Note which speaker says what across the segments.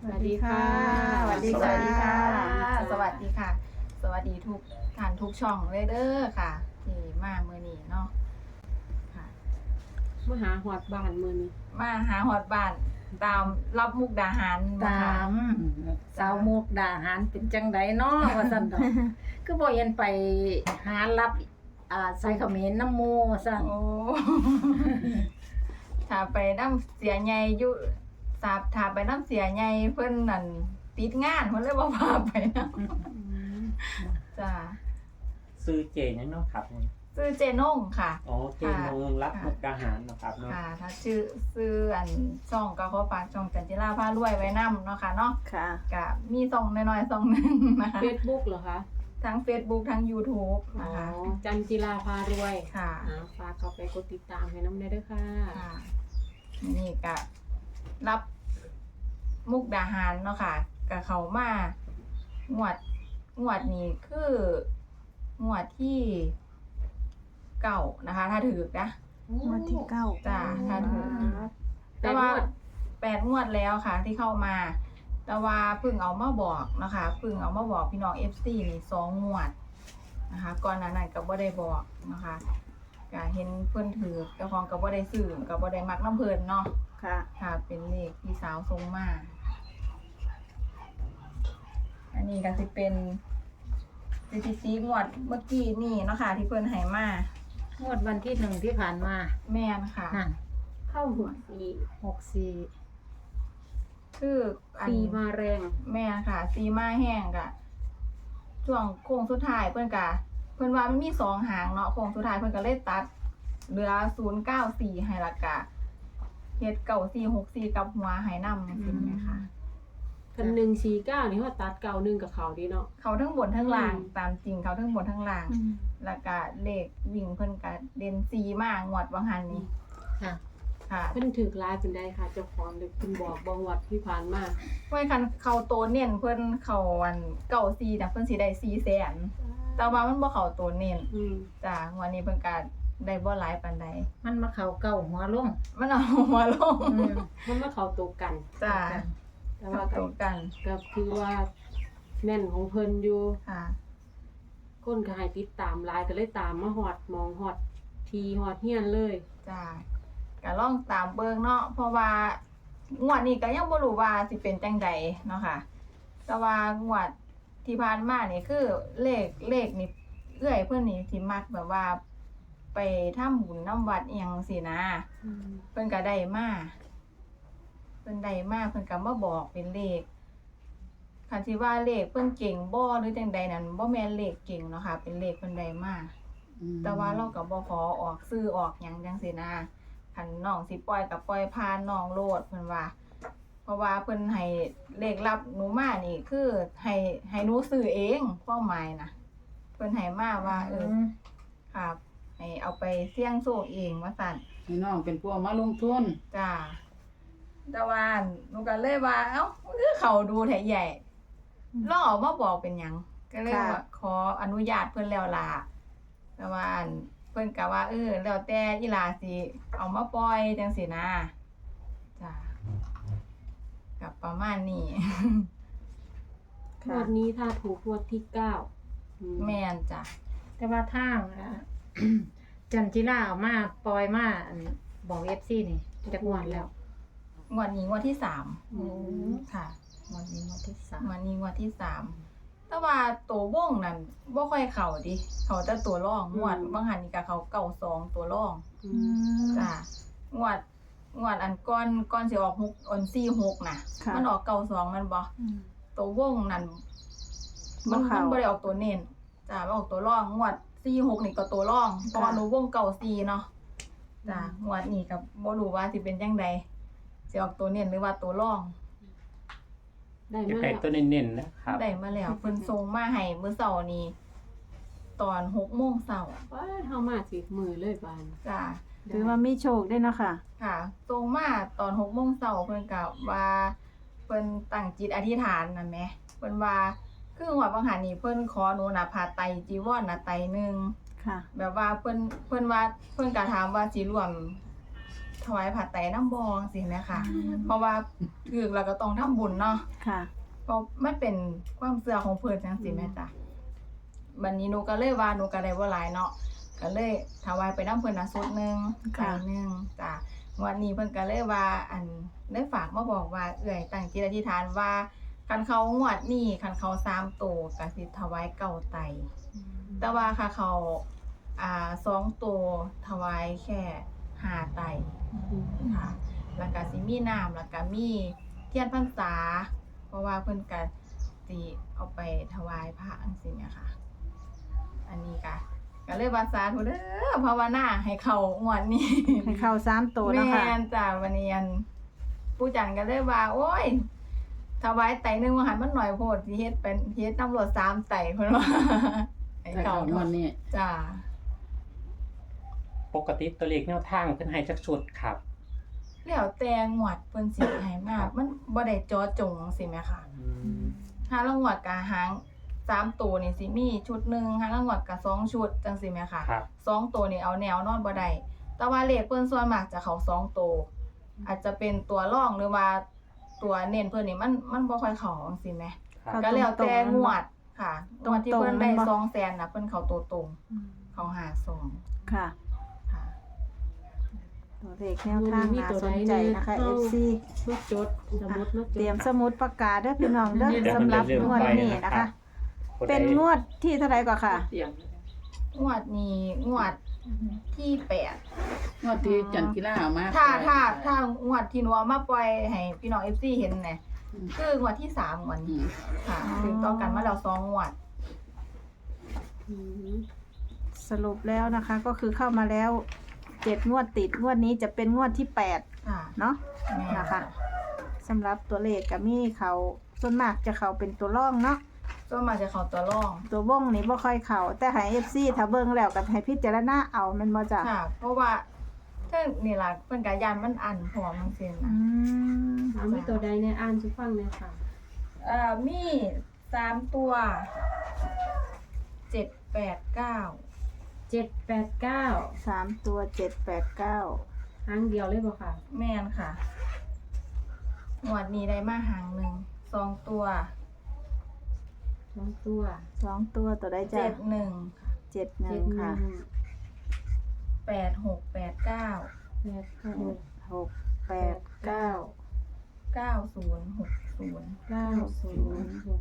Speaker 1: สวัสดีค่ะ
Speaker 2: สวัสดีค่ะ
Speaker 1: สวัสดีค่ะ สวัสดีค่ะ สวัสดีทุกท่านทุกช่องเลยเด้อค่ะ ที่มาเมื่อนี้เนาะค่ะ
Speaker 2: มาหาหอดบ้านมื้อนี้
Speaker 1: มาหาฮอดบ้านตามรับมุกดาหารบ่
Speaker 3: ตา
Speaker 1: ค่ะ
Speaker 3: มสาวมุกดาหารเป็นจังไดเนาะว่าซั่นดอก คือบ่เห็นไปหารับใส่เขมรน้ำหมู่ว่าซั่น
Speaker 1: โอ้ ถ้าไปน้ำเสียใหญ่อยู่ถ้าไปน้ำเสียใหญ่เพิ่นนั่นติดงานเพิ่นเลยบ่พาไปนำจ้า
Speaker 4: ซื้อเจยังเนาะครับ
Speaker 1: ชื่อเจนงค่ะ
Speaker 4: อ๋อเจนงรับมุกดาหารเนาะครับเนาะ
Speaker 1: ค่ะ ถ้าซื้ออันช่องก็ขอฝากช่องจันจิราพารวยไว้นํเนาะค่ะเนาะ
Speaker 3: ค่ะ
Speaker 1: ก็มีช่องน้อยๆช่องหนึงนะคะ
Speaker 2: Facebook เหรอคะ
Speaker 1: ทั้ง Facebook ทั้ง YouTube
Speaker 2: อ๋อ
Speaker 1: นะคะ
Speaker 2: จันจิราพารวย
Speaker 1: ค่ะ
Speaker 2: ฝากเข้าไปกดติดตามให้น้ำได้ด้วยค่ะ
Speaker 1: ค่ะนี่ก็รับมุกดาหารเนาะค่ะก็เขามางวดนี้คืองวดที่เก่านะคะ ถ้าถือนะ
Speaker 3: งวดที่เก้า
Speaker 1: จ้าถ้าถือ
Speaker 2: แต่
Speaker 1: แต่
Speaker 2: ว่า
Speaker 1: ว่า8 งวดแล้วค่ะ ที่เข้ามา แต่ว่าเพิ่งเอามาบอกนะคะเพิ่งเอามาบอกพี่น้อง FC นี่2 งวดนะคะ ก่อนหน้านั้นก็บ่ได้บอกนะคะก็เห็นเพิ่นถือเจ้าของก็บ่ได้ซื้อก็บ่ได้มักน้ำเพิ่นเนาะ
Speaker 3: ค่ะ
Speaker 1: ค่ะ เป็นเลขพี่สาวทรงมาอันนี้ก็สิเป็นสีงวดเมื่อกี้นี่เนาะค่ะ ที่เพิ่นให้มาง
Speaker 3: วดวันที่1ที่ผ่านมา
Speaker 1: แม่นค่ะ
Speaker 3: นั่น
Speaker 2: เข้าหัวสี
Speaker 3: 64
Speaker 1: คืออัน
Speaker 2: สีมาแรง
Speaker 1: แม่ค่ะซีมาแห้งกะช่วงโค้งสุดท้ายเพิ่นว่ามันมี2 หางเนาะโค้งสุดท้ายเพิ่นก็เลยตัดเหลือ094ให้ละกะเฮ็ด9464กับหัวให้นำจังซี่แม่ค่ะ
Speaker 2: คัน149นี่เฮาตัด91กับเขาดีเนาะ
Speaker 1: เขาทั้งบนทั้งล่าง
Speaker 2: อืม
Speaker 1: ตามจริงเขาทั้งบนทั้งล่าง แล้วก็เลขวิ่งเพิ่นก็เด่น4มากงวดบางหันนี่
Speaker 3: ค่ะ
Speaker 1: ค่ะ
Speaker 2: เพิ่นถูกลายเป็นได้ค่ะเจ้าของเด็กเพิ่นบอกบ่งวัดที่ผ่านมา
Speaker 1: ไว้คันเขาโตเน้นเพิ่นเขาวัน94น่ะเพิ่นสิได้400,000แต่ว่ามันบ่เข้าโตเน้น
Speaker 2: อืม
Speaker 1: จ้างวันนี้เพิ่นก็ได้บ่หลายปานใด
Speaker 3: มันมาเข้าเก้าหัวลง
Speaker 1: มันเอาหัวลง
Speaker 2: มันมาเข้าตัวกัน
Speaker 1: จ้า
Speaker 2: แต่
Speaker 1: มา
Speaker 2: ว่า
Speaker 1: ตรงกัน
Speaker 2: ก็คือว่าแม่นของเพิ่นอยู่
Speaker 1: ค่ะ
Speaker 2: คนก็ให้ติดตามหลายก็เลยตามมาฮอดหมองฮอดทีฮอดเฮียนเลย
Speaker 1: จ้าก็ลองตามเบิ่งเนาะเพราะว่างวดนี้ก็ยังบ่รู้ว่าสิเป็นจังใดเนาะค่ะ แต่ว่างวดที่ผ่านมานี่คือเลขนี่เอื้อยเพิ่นนี่สิมักแบบว่าไปทำบุญนำวัดอีหยังสินะเพิ่นก็ได้มาเพิ่นได้มาเพิ่นก็มาบอกเป็นเลขคันสิว่าเลขเพิ่นเก่งบ่หรือจังใดนั่นบ่แม่นเลขเก่งเนาะค่ะ เป็นเลขเพิ่นได้มา แต่ว่าเราก็บ่ขอออกซื้อออกหยังจังซี่นะคันน้องสิปล่อยก็ปล่อยผ่านน้องโลดเพิ่นว่า เพราะว่าเพิ่นให้เลขลับหนูมานี่คือให้หนูซื้อเองความหมายนะเพิ่นให้มาว่าครับให้เอาไปเสี่ยงโชคเองว่าซั่น
Speaker 3: พี่น้องเป็นพวกมาลงทุน
Speaker 1: จ้าแต่ว่าหนูก็เลยว่าเอ้ามันคือเขาดูแท้ใหญ่ลองเอามาบอกเป็นหยังก็เลยว่าขออนุญาตเพิ่นแล้วล่ะแต่ว่าเพิ่นก็ว่าแล้วแต่อีหลาสิเอามาปล่อยจังซี่นะจ้ากับประมาณนี้
Speaker 2: งวดนี้ถ้าถูกงวดที่9
Speaker 1: แม่นจ้ะ
Speaker 3: แต่ว่าทางจันจิราเอามาปล่อยมาบอก FC นี่จักงวดแล้ว
Speaker 1: งวดนี้งวดที่สาม
Speaker 2: อืม
Speaker 1: ค่ะ
Speaker 3: งวดนี้งวดที่
Speaker 1: งวดนี้งวดที่สามแต่ว่าตัววงนั่นบ่ค่อยเข้าดิเขาแต่ตัวร่องงวดบางหันนี่ก็เขาเก่า2ตัวร่อง
Speaker 2: อื
Speaker 3: 3
Speaker 2: ม
Speaker 1: จ้ะงวดอันก่อนสิออก6อัน46น่ะ
Speaker 3: ค่ะ
Speaker 1: มันออกเก่า2มันบ่ตัววงนั่นมันบ่ได้ออกตัวเน้นจ้ะมันออกตัวร่องงวด46นี่ก็ตัวร่องเพราะว่าหนูวงเก่า4เนาะจ้ะงวดนี้ก็บ่รู้ว่าสิเป็นจังใดสิออกตัวเน้นหรือว่าตัวร่อง
Speaker 2: ได้
Speaker 4: จะ
Speaker 2: มา
Speaker 4: ไก่
Speaker 2: แล้ว
Speaker 4: ตัวเน้นๆนะครับ
Speaker 1: ได้มาแล้วเพิ่นส่งมาให้มื้อเช้านี้ตอน6 โมงเช้า
Speaker 2: ว้าเฮามาสิมือเลยบาน
Speaker 1: จ้ะ
Speaker 5: ถือว่ามีโชคได้เนาะค่ะ
Speaker 1: ค่ะส่งมาตอน6 โมงเช้าเพิ่นก็ว่าเพิ่นตั้งจิตอธิษฐานนั่นแหมเพิ่นว่าคือหัวบางหันนี่เพิ่นขอหนูน่ะผ้าไตรจีวรน่ะไตรหนึง
Speaker 5: ค่ะ
Speaker 1: แบบว่าเพิ่นว่าเพิ่นก็ถามว่าสิร่วมถวายผ้าไตรน้ำบองสิแม่ค่ะ เพราะว่าถือแล้วก็ต้องทำบุญเนาะ
Speaker 5: ค่ะ
Speaker 1: เพราะมันเป็นความเชื่อของเพิ่นจังซี่แม่จ้ะบัดนี้หนูก็เลยว่าหนูก็ได้บ่หลายเนาะก็เลยถวายไปนํเพิ่นน่ะสุดหนึง
Speaker 5: ค่ะ
Speaker 1: ไก่หนึงจ้ะงวดนี้เพิ่นก็เลยว่าได้ฝากมาบอกว่าเอื้อยตั้งจิตอธิษฐานว่าคันเขางวดนี้คันเขา3ตัวก็สิถวายเก้าไตรแต่ว่าค่ะเขา2ตัวถวายแค่5ไตรค่ะแล้วก็สิมีน้ำแล้วก็มีเทียนพรรษา เพราะว่าเพิ่นก็สิเอาไปถวายพระจังซี่เนี่ยค่ะ อันนี้ก็เลยว่าสาธุเด้อภาวนาให้เข้างวดนี้
Speaker 5: ให้เข้า3ตัวเนาะค่ะ
Speaker 1: แม่นจ้ะวันนี้ปู่จันก็เลยว่า โอ้ยถวายไตรหนึงว่าหันมันหน่อยโพดสิเฮ็ดเป็นเฮ็ดตำรวจ3ไตรเพิ่นว่าให้
Speaker 3: แต่
Speaker 1: เข้า
Speaker 3: ของวันนี้
Speaker 1: จ้ะ
Speaker 4: ปกติตัวเลขแนวทางเพิ่นให้จักชุดครับ
Speaker 1: แล้วแต่งวดเพิ่นสิให้มามันบ่ได้เจาะจงจังซี่แหมค่ะ ห้าละงวดกะหาง3ตัวนี่สิมีชุดหนึงห้าละงวดกะ2ชุดจังซี่แหมค่ะ
Speaker 4: ครับ
Speaker 1: 2ตัวนี่เอาแนวนอนบ่ได้แต่ว่าเลขเพิ่นส่วนมากจะเข้า2ตัวอาจจะเป็นตัวรองหรือว่าตัวเน้นเพิ่นนี่มันบ่ค่อยเข้าจังซี่แหม
Speaker 4: ครับ
Speaker 5: เข้า
Speaker 1: ก็แล้วแต่
Speaker 5: ตรงๆ
Speaker 1: งวดค่ะงวดที่เพิ่นได้
Speaker 5: ตรงๆ
Speaker 1: 200,000น่ะเพิ่นเข้าตัวตรงเข้า52
Speaker 5: ค่ะ
Speaker 1: ค่ะ
Speaker 5: ตัวเลขแนวทางน่าสนใจนะคะ FC
Speaker 2: มาจดสมุดมาจด
Speaker 5: เตรียมสมุดประกาศเด้อพี่น้องเด้อ
Speaker 4: เดี๋ยว
Speaker 5: สำหรับ
Speaker 4: เดี๋ยว
Speaker 5: งวดนี้
Speaker 4: ไปนะ
Speaker 5: นะ
Speaker 4: ครั
Speaker 5: คะ
Speaker 4: บ
Speaker 5: เป็นงวดที่เท่าไหร่ก่อนค่ะ
Speaker 1: งวดนี้งวดที่8
Speaker 3: งวดที่จันกีฬาเอามา
Speaker 1: ถ้างวดที่หนูเอามาปล่อยให้พี่น้อง FC เห็นน่ะคืองวดที่3งวด
Speaker 3: อื
Speaker 1: นี้
Speaker 3: ม
Speaker 1: ค่ะถึงต่อกันมาแล้ว2งวด
Speaker 2: อืม
Speaker 5: สรุปแล้วนะคะ ก็คือเข้ามาแล้ว7งวดติดงวดนี้จะเป็นงวดที่8
Speaker 1: ค่ะ
Speaker 5: เนาะ
Speaker 1: แม่
Speaker 5: นะคะสำหรับตัวเลขก็มีเขาส่วนมากจะเขาเป็นตัวร่องเนาะ
Speaker 1: ส่วนมากจะเข้าตัวรอง
Speaker 5: ตัววงนี่บ่ค่อยเขาแต่ให้ FC ถ้าเบิ่งแล้วก็ให้พิจารณาเอาแมันบ่จ้ะ
Speaker 1: ค่ะ เพราะว่าถ้านี่ล่ะเพิ่นก็ยานมันอันพร้อมจังซี่
Speaker 5: อื
Speaker 1: นะ
Speaker 5: ม
Speaker 2: เอามีตัวใดในอ่านสุฟังเลยค่ะ
Speaker 1: มี3ตัว7 8 9
Speaker 2: 789
Speaker 5: 3ตัว789
Speaker 2: หางเดียวเลยบ่ค่ะ
Speaker 1: แม่นค่ะงวดนี้ได้มาหางหนึง2ตัว
Speaker 2: 2ตัว
Speaker 5: 2ตัวตัวใดจ้ะ
Speaker 1: 71
Speaker 5: 71ค่ะ
Speaker 1: 86 89
Speaker 5: 6 8 9
Speaker 1: 90 60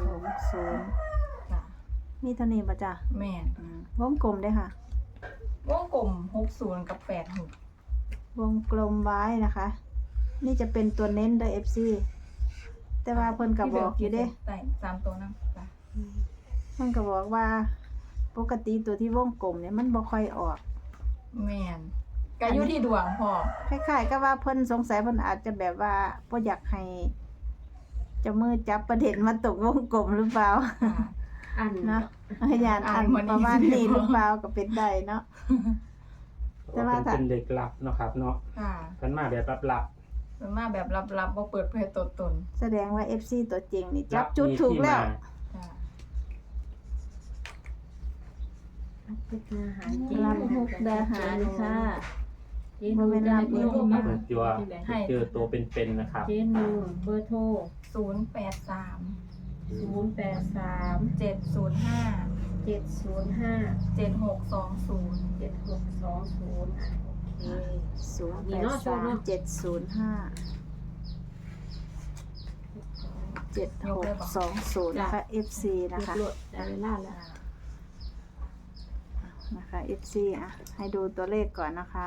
Speaker 5: 60
Speaker 1: ค่ะ
Speaker 5: มีเท่านี้บ่จ้ะ
Speaker 1: แม่น
Speaker 5: วงกลมเด้อค่ะ
Speaker 1: วงกลม60กับ86
Speaker 5: วงกลมไว้นะคะ นี่จะเป็นตัวเน้นเด้อ FC แต่ว่าเพิ่นก็บอกอยู่เด้
Speaker 1: ใส่3ตัวนำจ้ะ
Speaker 5: เพิ่นก็บอกว่าปกติตัวที่วงกลมเนี่ยมันบ่ค่อยออก
Speaker 1: แม่นก็อยู่ที่ดวงพอ
Speaker 5: คล้ายๆกับว่าเพิ่นสงสัยเพิ่นอาจจะแบบว่าบ่อยากให้เจ้ามือจับประเด็นมาตกวงกลมหรือเปล่า
Speaker 1: ค่ะ
Speaker 2: อัน
Speaker 5: เนาะพยานอันประมาณนี้หรือเปล่าก็เป็นได้เนาะ แต่ว่าถ้า
Speaker 4: เป็นเด็กลับเนาะครับเนาะ
Speaker 1: ค่ะ
Speaker 4: เพิ่นมาแบบลับ
Speaker 1: ส่วนมากแบบลับๆบ่เปิดเผยตัวตน
Speaker 5: แสดงว่า FC ตัวจริงนี่
Speaker 4: ๆ
Speaker 5: จับจุดถูกแล้ว
Speaker 1: ค่ะ
Speaker 2: เป็นอาหารเจ
Speaker 5: รับมุกดาหารค่ะ
Speaker 2: เจนูจะให้เบอร์โทรมา
Speaker 4: เปิดตัวเจอตัวเป็นๆนะครับ
Speaker 2: เจนูเบอร์โทร
Speaker 1: 083
Speaker 2: 083
Speaker 1: 705
Speaker 2: 705
Speaker 1: 7620
Speaker 2: 7620อ่ะโอเค
Speaker 5: 083 705 7620นะคะ FC นะคะ
Speaker 2: เรียบร้อยได้เวลาแล้ว
Speaker 5: นะคะ FC อ่ะให้ดูตัวเลขก่อนนะคะ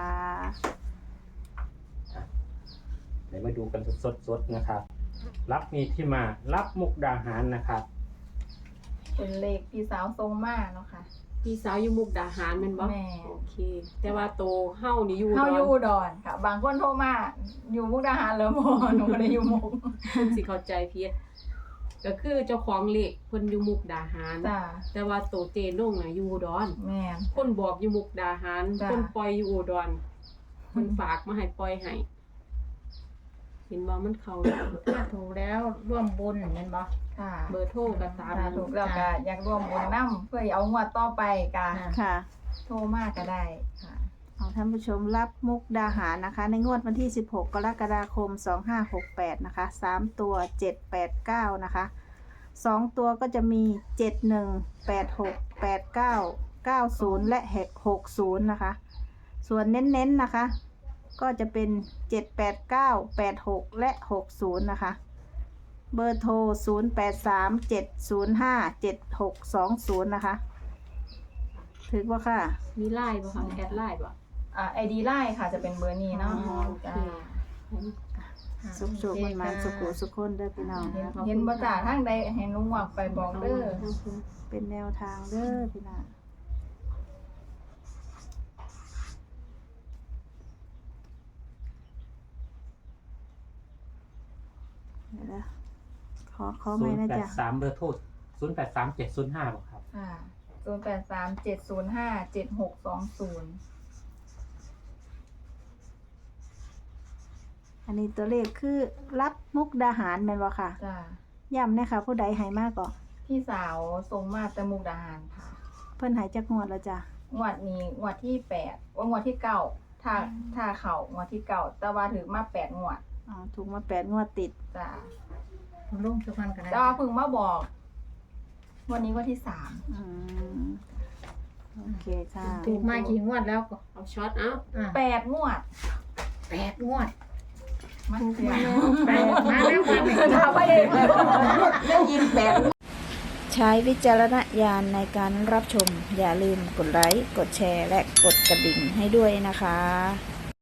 Speaker 4: เดี๋ยวมาดูกันสดๆนะครับ รับมีที่มารับมุกดาหารนะครับ
Speaker 1: เป็นเลขพี่สาวทรงมาเนาะค่ะ
Speaker 2: พี่สาวอยู่มุกดาหารแม่นบ่
Speaker 1: แม่
Speaker 2: โอเค แต่ว่าโตเฮานี่อยู่
Speaker 1: เฮาอยู่
Speaker 2: ด
Speaker 1: อุดรค่ะ บางคนโทรมาอยู่มุกดาหารแล้วบ่หนูบ่ได้อยู่มุก
Speaker 2: เพิ่นสิเข้าใจผิดก็คือเจ้าของเลขเพิ่นอยู่มุกดาหาร
Speaker 1: จ้า
Speaker 2: แต่ว่าโตเจนงน่ะอยู่อุดร
Speaker 1: แม่น
Speaker 2: คนบอกอยู่มุกดาหาร
Speaker 1: จ้ะ
Speaker 2: คนปล่อยอยู่อุดรคนฝากมาให้ปล่อยให้เห็นบ่มันเข้าแล้ว
Speaker 3: ถูกแล้วร่วมบุญแม่นบ่
Speaker 1: ค่ะ
Speaker 2: เบอร์โทรก็ตาม
Speaker 1: ถ้าถูกแล้วก็อยากร่วมบุญนํเพื่อเอางวดต่อไปก็
Speaker 5: ค่ะ
Speaker 1: โทรมาก็ได้ค่ะ
Speaker 5: ของท่านผู้ชมรับมุกดาหารนะคะ ในงวดวันที่ 16 กรกฎาคม 2568 นะคะ 3 ตัว 789 นะคะ 2 ตัวก็จะมี 71 86 89 90 และ 60 นะคะ ส่วนเน้นๆนะคะ ก็จะเป็น 789 86 และ 60 นะคะ เบอร์โทร 083 705 7620 นะคะ ถึงว่าค่ะ
Speaker 2: มีไลน์บ่คะแอดไลน์บ่
Speaker 1: ID ไลน์ค่ะจะเป็นเบอร์นี้เนาะ
Speaker 2: อ๋อโอเค
Speaker 5: สุขๆมันๆสุขุสุขคนเด้อพี่น้อง
Speaker 1: เห็นบ่จ่าทางใดให้หนุ่มหวักไปบอกเด้อ
Speaker 5: เป็นแนวทางเด้อพี่น้องเดี๋ยวนะขอไม่นะจ๊ะ
Speaker 4: 083เบอร์โทร083705บ่ครับ
Speaker 1: ค่ะ0837057620
Speaker 5: อันนี้ตัวเลขคือรับมุกดาหารแม่นบ่ค่ะ
Speaker 1: จ้า
Speaker 5: ย้ำนะคะผู้ใดใหายมากก่อน
Speaker 1: พี่สาวส่งมาแต่มุกดาหารค่ะ
Speaker 5: เพิ่นใหายจักงวดแล้วจ้ะ
Speaker 1: งวดนี้งวดที่8ว่างวดที่9ถ้าเข้างวดที่9แต่ว่าถึงมา8งวด
Speaker 5: อ๋อถูกมา8 งวดติด
Speaker 1: จ้า
Speaker 3: ลงทุกวันกัน
Speaker 1: แต่ว่าเพิ่งมาบอกวันนี้วันที่3
Speaker 5: อืมโอเคค่ะ
Speaker 3: ถูกมากี่งวดแล้วก็
Speaker 2: เอาช็อตเอา
Speaker 1: 8งวด
Speaker 3: 8 งวด
Speaker 1: มาเสีย
Speaker 3: มาแล้ววันนี้
Speaker 1: ถ้าไม่ได้ยิน8
Speaker 5: ใช้วิจารณญาณในการรับชม อย่าลืมกดไลค์ กดแชร์ และกดกระดิ่งให้ด้วยนะคะ